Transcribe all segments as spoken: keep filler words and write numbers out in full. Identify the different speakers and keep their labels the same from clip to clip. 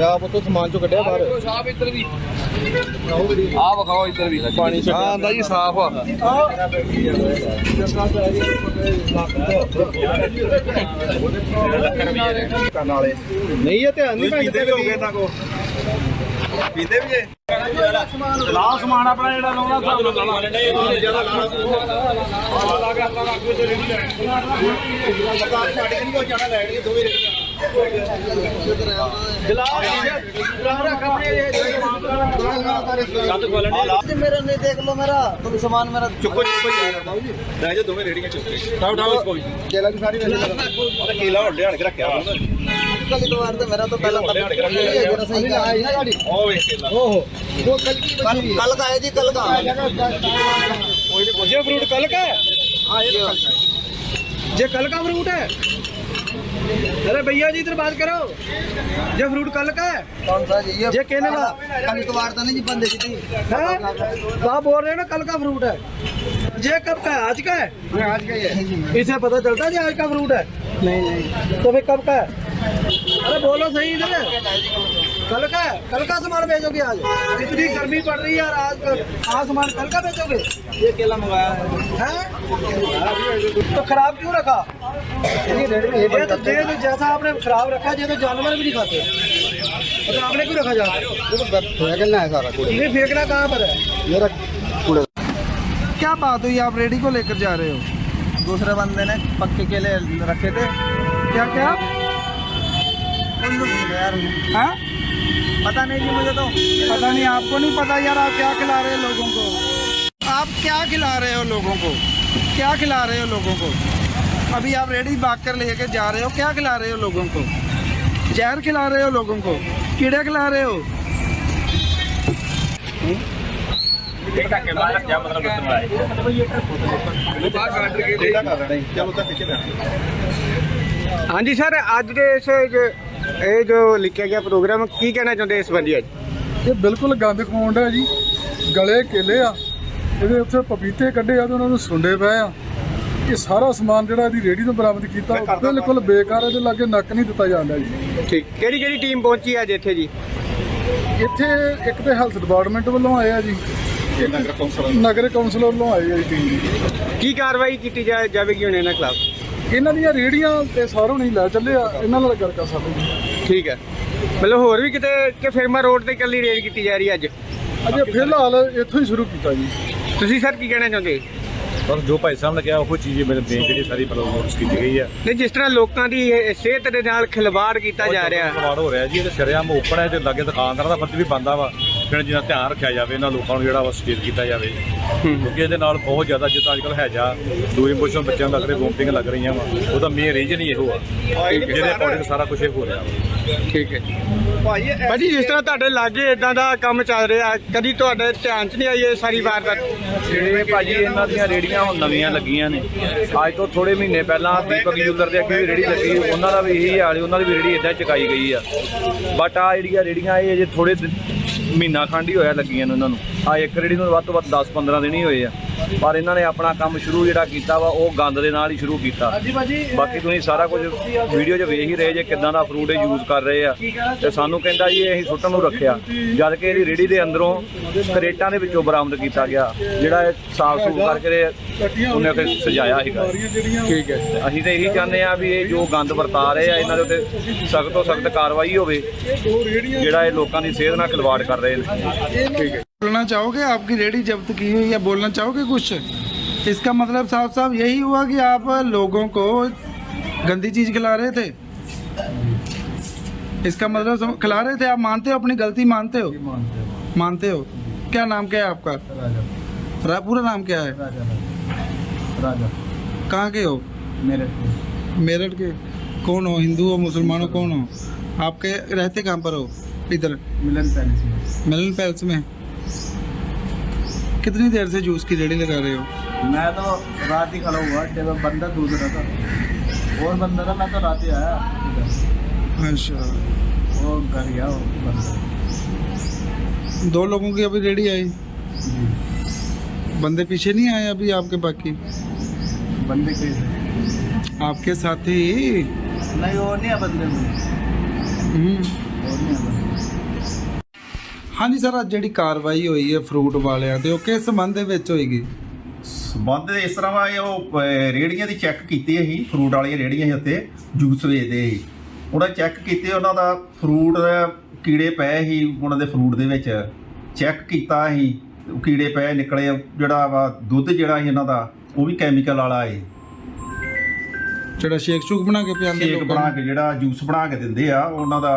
Speaker 1: आप तो सामान चो कटिया बाहर
Speaker 2: साफ इधर भी आ विखाओ इधर भी पानी हाँ आंदा जी साफ आ
Speaker 1: नहीं है ध्यान नहीं पीते भी हो गए को पीते भी है ला समान अपना जेड़ा लाउना
Speaker 3: मेरा नहीं देख लो मेरा तुम सामान मेरा
Speaker 1: चुको चुको रह जा दोवें रेड़ियां चुक के उठाओ उठाओ इसको केला की सारी वैसे केला और ध्यान के रखया
Speaker 3: कल तो वार तो मेरा तो पहला जरा सही का है ना गाड़ी
Speaker 1: ओ वे केला
Speaker 3: ओहो वो कल की कल का है जी कल का
Speaker 1: कोई नहीं ये फ्रूट कल का है हां ये कल का है ये कल का फ्रूट है अरे भैया जी इधर बात करो ये फ्रूट कल का है
Speaker 3: कौन सा जी
Speaker 1: ये कहने वाला
Speaker 3: कल तो वार तो नहीं जी बंदे की थी
Speaker 1: तो आप बोल रहे हैं ना कल का फ्रूट है ये कब का है आज का है
Speaker 3: आज का ही है
Speaker 1: इसे पता चलता है आज का फ्रूट है
Speaker 3: नहीं नहीं
Speaker 1: तो फिर कब का है अरे बोलो सही इधर कल का है कल का सामान बेचोगे आज इतनी गर्मी पड़ रही है यार आज आज सामान कल का बेचोगे
Speaker 3: ये केला मंगाया है
Speaker 1: हैं तो खराब क्यों रखा ये तो ये तो जैसा आपने खराब रखा ये तो जानवर भी नहीं खाते तो आपने क्यों रखा जाता
Speaker 3: फेंकना है सारा कूड़ा
Speaker 1: ये फेंकना कहाँ पर है
Speaker 3: ये रख कूड़ा क्या बात हुई आप रेडी को लेकर जा रहे हो दूसरे बंदे ने पक्के केले रखे थे क्या क्या यार हाँ पता नहीं जी मुझे तो पता नहीं आपको नहीं पता यार आप क्या खिला रहे हो लोगों को आप क्या खिला रहे हो लोगों को क्या खिला रहे हो लोगों को अभी आप रेडी भाग कर लेके जा रहे हो क्या खिला रहे हो लोगों को जहर खिला रहे हो लोगों को कीड़े खिला रहे हो
Speaker 1: क्या मतलब हाँ जी सर अज के इस ਇਹ ਜੋ ਲਿਖਿਆ ਗਿਆ ਪ੍ਰੋਗਰਾਮ ਕੀ ਕਹਿਣਾ ਚਾਹੁੰਦੇ ਇਸ ਬੰਦੀ ਅੱਜ
Speaker 4: ਇਹ ਬਿਲਕੁਲ ਗੰਦ ਖਵਾਉਂਦਾ ਜੀ ਗਲੇ ਕੇਲੇ ਆ ਇਹਦੇ ਉੱਤੇ ਪਪੀਤੇ ਕੱਢੇ ਆ ਤੇ ਉਹਨਾਂ ਨੂੰ ਸੁੰਡੇ ਪਏ ਆ ਇਹ ਸਾਰਾ ਸਮਾਨ ਜਿਹੜਾ ਇਹਦੀ ਰੇਹੜੀ ਤੋਂ ਬਰਾਮਦ ਕੀਤਾ ਬਿਲਕੁਲ ਬੇਕਾਰ ਇਹਦੇ ਲਾਗੇ ਨੱਕ ਨਹੀਂ ਦਿੱਤਾ ਜਾਂਦਾ ਜੀ
Speaker 1: ਠੀਕ ਕਿਹੜੀ ਕਿਹੜੀ ਟੀਮ ਪਹੁੰਚੀ ਅੱਜ ਇੱਥੇ ਜੀ
Speaker 4: ਇੱਥੇ ਇੱਕ ਤੇ ਹੈਲਥ ਡਿਪਾਰਟਮੈਂਟ ਵੱਲੋਂ ਆਏ ਆ ਜੀ ਨਗਰ ਕੌਂਸਲ ਨਗਰ ਕੌਂਸਲ ਵੱਲੋਂ ਆਏ ਆ ਜੀ ਟੀਮ ਜੀ
Speaker 1: ਕੀ ਕਾਰਵਾਈ ਕੀਤੀ ਜਾ ਜਾਵੇਗੀ ਹੁਣ ਇਹਨਾਂ ਖਿਲਾਫ
Speaker 4: ਇਹਨਾਂ ਦੀਆਂ ਰੇਹੜੀਆਂ ਤੇ ਸਾਰੋਂ ਨਹੀਂ ਲੈ ਚੱਲੇ ਆ ਇਹਨਾਂ ਨਾਲ ਗੱਲ ਕਰ ਸਕਦੇ
Speaker 1: ਠੀਕ ਹੈ ਮਤਲਬ ਹੋਰ ਵੀ ਕਿਤੇ ਕਿ ਫਿਰਮਾ ਰੋਡ ਤੇ ਇਕੱਲੀ ਰੇਡ ਕੀਤੀ ਜਾ ਰਹੀ ਹੈ ਅੱਜ
Speaker 4: ਅਜੇ ਫਿਲਹਾਲ ਇੱਥੋਂ ਹੀ ਸ਼ੁਰੂ ਕੀਤਾ ਜੀ
Speaker 1: ਤੁਸੀਂ ਸਰ ਕੀ ਕਹਿਣਾ ਚਾਹੁੰਦੇ
Speaker 5: ਪਰ ਜੋ ਭਾਈ ਸਾਹਿਬ ਨੇ ਕਿਹਾ ਉਹ ਚੀਜ਼ ਮੇਰੇ ਬੇਨ ਜਿਹੜੀ ਸਾਰੀ ਨੋਟਿਸ ਕੀਤੀ ਗਈ ਹੈ
Speaker 1: ਨਹੀਂ ਜਿਸ ਤਰ੍ਹਾਂ ਲੋਕਾਂ ਦੀ ਸਿਹਤ ਦੇ ਨਾਲ ਖਿਲਵਾੜ ਕੀਤਾ ਜਾ ਰਿਹਾ
Speaker 5: ਖਿਲਵਾੜ ਹੋ ਰਿਹਾ ਜੀ ਇਹ ਸ਼ਰਿਆਮ ਓਪਨ ਹੈ ਤੇ ਲਾਗੇ ਦੁਕਾਨਦਾਰਾਂ ਦਾ ਫਰਜ਼ ਵੀ ਬਣਦਾ ਵਾ ਫਿਰ ਜਿਹਦਾ ਧਿਆਨ ਰੱਖਿਆ ਜਾਵੇ ਇਹਨਾਂ ਲੋਕਾਂ ਨੂੰ ਜਿਹੜਾ ਵਾ ਸੁਚੇਤ ਕੀਤਾ ਜਾਵੇ ਕਿਉਂਕਿ ਇਹਦੇ ਨਾਲ ਬਹੁਤ ਜ਼ਿਆਦਾ ਜਿੱਦਾਂ ਅੱਜ ਕੱਲ੍ਹ ਹੈਜਾ ਲੂਜ਼ ਮੋਸ਼ਨ ਬੱਚਿਆਂ ਨੂੰ ਲੱਗ ਰਹੇ ਵੋਮਟਿੰਗ ਲੱਗ ਰਹੀਆਂ ਵਾ ਉਹਦਾ ਮੇਨ ਰੀਜ਼ਨ ਹੀ ਇਹੋ ਆ ਜਿਹਦੇ ਅਕੋਰਡਿੰਗ ਸਾਰਾ ਕੁਝ ਇਹ ਹੋ ਰਿਹਾ ਵਾ
Speaker 1: ਠੀਕ ਹੈ ਭਾਜੀ ਜਿਸ ਤਰ੍ਹਾਂ ਤੁਹਾਡੇ ਲਾਗੇ ਇਦਾਂ ਦਾ ਕੰਮ ਚੱਲ ਰਿਹਾ ਕਦੀ ਤੁਹਾਡੇ ਧਿਆਨ 'ਚ ਨਹੀਂ ਆਈ ਇਹ ਸਾਰੀ ਵਾਰਦਾਤ
Speaker 5: ਇਹ ਭਾਜੀ ਇਹਨਾਂ ਦੀਆਂ ਰੇੜੀਆਂ ਹੁਣ ਨਵੀਆਂ ਲੱਗੀਆਂ ਨੇ ਅੱਜ ਤੋਂ ਥੋੜੇ ਮਹੀਨੇ ਪਹਿਲਾਂ ਦੀਪਕ ਜੁਲਰ ਦੇ ਅੱਗੇ ਵੀ ਰੇੜੀ ਲੱਗੀ ਉਹਨਾਂ ਦਾ ਵੀ ਇਹੀ ਹਾਲ ਉਹਨਾਂ ਦੀ ਵੀ ਰੇੜੀ ਇੱਦਾਂ ਚੁਕਾਈ ਗਈ ਆ ਬਟ ਆ ਜਿਹੜੀਆਂ ਰੇੜੀਆਂ ਇਹ ਅਜੇ ਥੋੜੇ ਮਹੀਨਾ ਖੰਡ ਹੀ ਹੋਇਆ ਲੱਗੀਆਂ ਨੇ ਉਹਨਾਂ ਨੂੰ ਆ ਇੱਕ ਰੇੜੀ ਨੂੰ ਵੱਧ ਤੋਂ ਵੱਧ ਦਸ ਪੰਦਰਾਂ ਦਿਨ ਹੀ ਹੋਏ ਆ ਪਰ ਇਹਨਾਂ ਨੇ ਆਪਣਾ ਕੰਮ ਸ਼ੁਰੂ ਜਿਹੜਾ ਕੀਤਾ ਵਾ ਉਹ ਗੰਦ ਦੇ ਨਾਲ ਹੀ ਸ਼ੁਰੂ ਕੀਤਾ ਬਾਕੀ ਤੁਸੀਂ ਸਾਰਾ ਕੁਝ ਵੀਡੀਓ 'ਚ ਵੇਖ ਹੀ ਰਹੇ ਜੇ ਕਿੱਦਾਂ ਦਾ ਫਰੂਟ ਇਹ ਯੂਜ਼ ਕਰ ਰਹੇ ਆ ਤੇ ਸਾਨੂੰ ਕਹਿੰਦਾ ਜੀ ਅਸੀਂ ਸੁੱਟਣ ਨੂੰ ਰੱਖਿਆ ਜਦ ਕਿ ਇਹਦੀ ਰੇੜੀ ਦੇ ਅੰਦਰੋਂ ਕਰੇਟਾਂ ਦੇ ਵਿੱਚੋਂ ਬਰਾਮਦ ਕੀਤਾ ਗਿਆ ਜਿਹੜਾ ਸਾਫ ਸੂਫ ਕਰਕੇ ਉਹਨੇ ਫਿਰ ਸਜਾਇਆ ਸੀਗਾ
Speaker 1: ਠੀਕ ਹੈ
Speaker 5: ਅਸੀਂ ਤਾਂ ਇਹੀ ਚਾਹੁੰਦੇ ਆ ਵੀ ਇਹ ਜੋ ਗੰਦ ਵਰਤਾ ਰਹੇ ਆ ਇਹਨਾਂ ਦੇ ਉੱਤੇ ਸਖਤ ਤੋਂ ਸਖਤ ਕਾਰਵਾਈ ਹੋਵੇ ਜਿਹੜਾ ਇਹ ਲੋਕਾਂ ਦੀ ਸਿਹਤ ਨਾਲ ਖਿਲਵਾੜ ਕਰ ਰਹੇ ਨੇ
Speaker 1: ਠੀਕ ਹੈ
Speaker 3: बोलना चाहोगे आपकी रेडी जब्त की हुई या बोलना चाहोगे कुछ इसका मतलब साफ साफ यही हुआ कि आप लोगों को गंदी चीज़ खिला रहे थे इसका मतलब खिला रहे थे आप मानते हो अपनी गलती मानते हो मानते हो क्या नाम क्या है आपका रा, पूरा नाम क्या है राजा कहाँ के हो मेरठ मेरठ के कौन हो हिंदू हो मुसलमान हो कौन हो आपके रहते कहाँ पर हो इधर मिलन पैलेस में मिलन पैलेस में कितनी देर से जूस की रेडी लगा रहे हो
Speaker 6: मैं तो रात ही खड़ा हुआ जब बंदा दूसरा था और बंदा था मैं तो रात ही आया
Speaker 3: अच्छा
Speaker 6: वो घर गया वो बंदा
Speaker 3: दो लोगों की अभी रेडी आई बंदे पीछे नहीं आए अभी आपके बाकी
Speaker 6: बंदे के
Speaker 3: आपके साथी
Speaker 6: नहीं और नहीं है बंदे में
Speaker 3: हम्म
Speaker 6: और नहीं है बंदे
Speaker 3: ਹਾਂਜੀ ਸਰ, ਅੱਜ ਜਿਹੜੀ ਕਾਰਵਾਈ ਹੋਈ ਹੈ ਫਰੂਟ ਵਾਲਿਆਂ ਤੇ ਉਹ ਕਿਸ ਸੰਬੰਧ ਦੇ ਵਿੱਚ ਹੋਏਗੀ?
Speaker 7: ਸੰਬੰਧ ਇਸ ਤਰ੍ਹਾਂ ਵਾ, ਇਹ ਉਹ ਅਹ, ਰੇਹੜੀਆਂ ਦੀ ਚੈੱਕ ਕੀਤੀ ਅਸੀਂ, ਫਰੂਟ ਵਾਲੀਆਂ ਰੇਹੜੀਆਂ ਸੀ ਉੱਤੇ ਜੂਸ ਵੇਚਦੇ ਸੀ, ਉਹਨਾਂ ਚੈੱਕ ਕੀਤੇ, ਉਹਨਾਂ ਦਾ ਫਰੂਟ ਕੀੜੇ ਪਏ ਸੀ ਉਹਨਾਂ ਦੇ ਫਰੂਟ ਦੇ ਵਿੱਚ, ਚੈੱਕ ਕੀਤਾ ਅਸੀਂ, ਕੀੜੇ ਪਏ ਨਿਕਲੇ, ਜਿਹੜਾ ਵਾ ਦੁੱਧ ਜਿਹੜਾ ਸੀ ਇਹਨਾਂ ਦਾ ਉਹ ਵੀ ਕੈਮੀਕਲ ਵਾਲਾ ਹੈ,
Speaker 3: ਜਿਹੜਾ ਸ਼ੇਕ ਸ਼ੂਕ ਬਣਾ ਕੇ ਪਿਆਉਂਦੇ
Speaker 7: ਸ਼ੇਕ ਬਣਾ ਕੇ ਜਿਹੜਾ ਜੂਸ ਬਣਾ ਕੇ ਦਿੰਦੇ ਆ ਉਹਨਾਂ ਦਾ।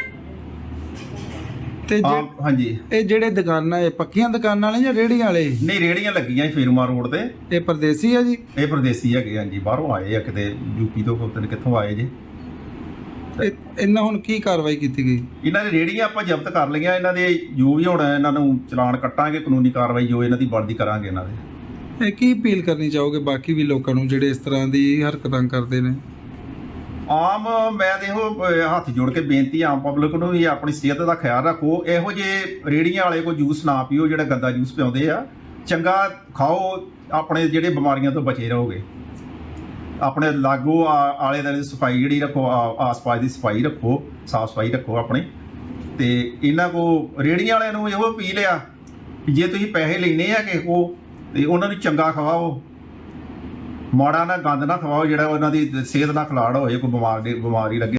Speaker 3: ਤੇ ਜੇ-
Speaker 7: ਆਮ ਹਾਂਜੀ,
Speaker 3: ਇਹ ਜਿਹੜੇ ਦੁਕਾਨਾਂ ਇਹ ਪੱਕੀਆਂ ਦੁਕਾਨਾਂ ਵਾਲੇ ਜਾਂ ਰੇਹੜੀਆਂ ਵਾਲੇ?
Speaker 7: ਨਹੀਂ ਰੇਹੜੀਆਂ ਲੱਗੀਆਂ ਸੀ ਫੇਰੂਮਾ ਰੋਡ ਤੇ,
Speaker 3: ਇਹ ਪਰਦੇਸੀ ਹੈ ਜੀ?
Speaker 7: ਇਹ ਪ੍ਰਦੇਸੀ ਹੈਗੇ ਹਾਂਜੀ, ਬਾਹਰੋਂ ਆਏ ਆ ਕਿਤੇ ਯੂਪੀ ਤੋਂ, ਪਤਾ ਨਹੀਂ ਕਿੱਥੋਂ ਆਏ ਜੇ।
Speaker 3: ਇਹ- ਇਹਨਾਂ ਹੁਣ ਕੀ ਕਾਰਵਾਈ ਕੀਤੀ ਗਈ?
Speaker 7: ਇਹਨਾਂ ਦੀ ਰੇਹੜੀਆਂ ਆਪਾਂ ਜ਼ਬਤ ਕਰ ਲਈਆਂ, ਇਹਨਾਂ ਦੇ ਜੋ ਵੀ ਹੋਣਾ ਇਹਨਾਂ ਨੂੰ ਚਲਾਨ ਕੱਟਾਂਗੇ, ਕਾਨੂੰਨੀ ਕਾਰਵਾਈ ਜੋ ਇਹਨਾਂ ਦੀ ਬਣਦੀ ਕਰਾਂਗੇ ਇਹਨਾਂ ਦੇ।
Speaker 3: ਇਹ ਕੀ ਅਪੀਲ ਕਰਨੀ ਚਾਹੋਗੇ ਬਾਕੀ ਵੀ ਲੋਕਾਂ ਨੂੰ ਜਿਹੜੇ ਇਸ ਤਰ੍ਹਾਂ ਦੀ ਹਰਕਤਾਂ ਕਰਦੇ ਨੇ?
Speaker 7: ਆਮ ਮੈਂ ਦੇਖੋ ਅਹ ਹੱਥ ਜੋੜ ਕੇ ਬੇਨਤੀ ਆਮ ਪਬਲਿਕ ਨੂੰ ਵੀ ਆਪਣੀ ਸਿਹਤ ਦਾ ਖਿਆਲ ਰੱਖੋ, ਇਹੋ ਜਿਹੇ ਰੇਹੜੀਆਂ ਵਾਲੇ ਕੋਈ ਜੂਸ ਨਾ ਪੀਓ ਜਿਹੜਾ ਗੰਦਾ ਜੂਸ ਪਿਆਉਂਦੇ ਆ, ਚੰਗਾ ਖਾਓ, ਆਪਣੇ ਜਿਹੜੇ ਬਿਮਾਰੀਆਂ ਤੋਂ ਬਚੇ ਰਹੋਗੇ, ਆਪਣੇ ਲਾਗੋ ਆ- ਆਲੇ ਦੁਆਲੇ ਦੀ ਸਫਾਈ ਜਿਹੜੀ ਰੱਖੋ, ਆ- ਆਸ-ਪਾਸ ਦੀ ਸਫਾਈ ਰੱਖੋ, ਸਾਫ ਸਫਾਈ ਰੱਖੋ ਆਪਣੀ। ਤੇ ਇਹਨਾਂ ਕੋ ਰੇਹੜੀਆਂ ਵਾਲਿਆਂ ਨੂੰ ਇਹੋ ਅਪੀਲ ਆ ਕਿ ਜੇ ਤੁਸੀਂ ਪੈਸੇ ਲੈਣੇ ਆ ਕਿਸੇ ਕੋ ਤੇ ਉਹਨਾਂ ਨੂੰ ਚੰਗਾ ਖਵਾਓ, ਮਾੜਾ ਨਾ ਗੰਦ ਨਾ ਖਵਾਓ ਜਿਹੜਾ ਉਹਨਾਂ ਦੀ ਸਿਹਤ ਨਾਲ ਖਿਲਾੜ ਹੋਏ, ਕੋਈ ਬਿਮਾਰੀ ਬਿਮਾਰੀ ਲੱਗੇ।